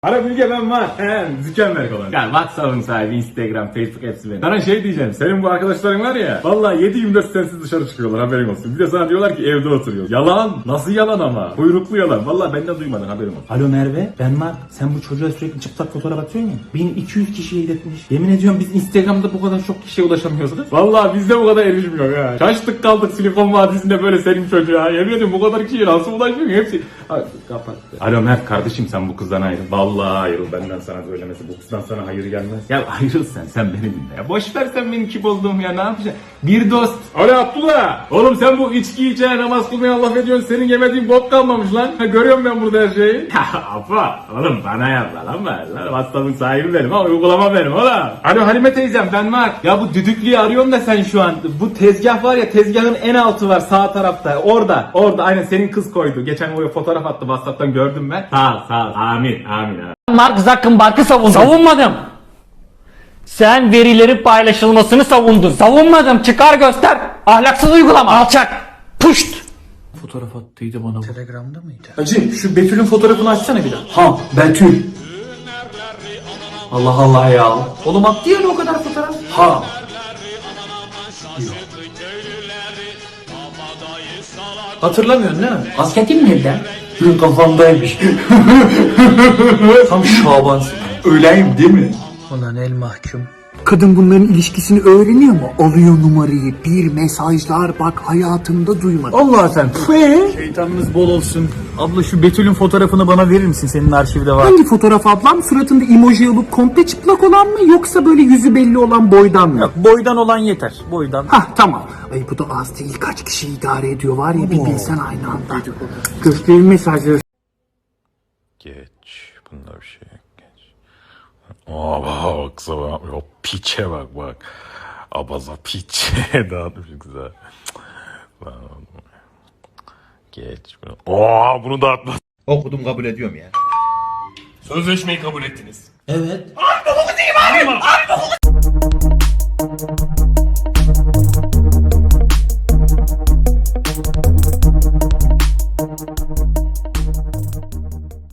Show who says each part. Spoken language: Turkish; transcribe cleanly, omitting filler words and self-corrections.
Speaker 1: Ara Bilge ben var. Mükemmel olan. Ya WhatsApp'ın sahibi, Instagram, Facebook hepsi benim. Sana şey diyeceğim. Senin bu arkadaşların var ya. Vallahi 7/24 sensiz dışarı çıkıyorlar, haberin olsun. Bir de sana diyorlar ki evde oturuyor. Yalan. Nasıl yalan ama? Kuyruklu yalan. Vallahi benden duymadın, haberin olsun.
Speaker 2: Alo Merve, ben Mark. Sen bu çocuğa sürekli çıplak fotoğraf atıyorsun ya. 1200 kişiye iletmiş. Yemin ediyorum biz Instagram'da bu kadar çok kişiye ulaşamıyoruz.
Speaker 1: Vallahi bizde bu kadar erişmiyor ha. Şaştık kaldık Silikon Vadisi'nde böyle senin çocuğa. Yemin ediyorum bu kadar kişiye nasıl ulaşmıyor hepsi. Hadi kapattı. Alo Mert kardeşim, sen bu kızdan ayrıl. Vallahi ayrıl, benden sana söylemesi. Bu kızdan sana hayır gelmez. Ya ayrıl sen beni dinle ya. Boş ver sen benim kim olduğumu ya, ne yapacaksın? Bir dost. Alo Abdullah. Oğlum sen bu içki içe namaz kılmaya laf ediyorsun. Senin yemediğin bok kalmamış lan. Ha, görüyorum ben burada her şeyi. Apa oğlum bana yapma lan ben. WhatsApp'ın sahibi benim ama uygulama benim oğlum. Alo Halime teyzem, ben Mark. Ya bu düdüklüyü arıyorum da sen şu an. Bu tezgah var ya, tezgahın en altı var sağ tarafta. Orada aynen senin kız koydu. Geçen oraya fotoğraf attı, WhatsApp'tan gördüm ben. Sağ ol. Amin.
Speaker 3: Mark Zuckerberg'ı savundum. Savunmadım. Sen verilerin paylaşılmasını savundun. Savunmadım. Çıkar göster. Ahlaksız uygulama. Alçak. Puşt.
Speaker 2: Fotoğraf attıydı bana bu.
Speaker 4: Telegram'da mıydı?
Speaker 2: Hacı şu Betül'ün fotoğrafını açsana bir daha. Ha Betül. Allah Allah ya. Oğlum attı ya o kadar fotoğraf. Ha. Hatırlamıyorsun değil mi?
Speaker 3: Asketim nerede?
Speaker 2: Dün kafamdaymış. Tam Şabansın. Öyleyim değil mi?
Speaker 4: Ulan el mahkum.
Speaker 5: Kadın bunların ilişkisini öğreniyor mu? Alıyor numarayı, bir mesajlar, bak hayatımda duymadım.
Speaker 2: Allah sen. Şeytanınız bol olsun. Abla şu Betül'ün fotoğrafını bana verir misin? Senin arşivde var.
Speaker 5: Hangi fotoğraf ablam? Suratında emoji olup komple çıplak olan mı? Yoksa böyle yüzü belli olan boydan mı?
Speaker 2: Yok, boydan olan yeter. Boydan.
Speaker 5: Hah tamam. Ay bu da az değil. Kaç kişi idare ediyor var ya, bir bilsen aynı anda. Gösterin mesajları.
Speaker 6: Geç. Bunda bir şey yok. Geç. Aa baksana o piçe bak. Abaza piçe dağıtmış güzel. Geç. Aa bunu dağıtma.
Speaker 1: Okudum, kabul ediyorum ya.
Speaker 6: Sözleşmeyi kabul ettiniz.
Speaker 2: Evet.
Speaker 6: Ay,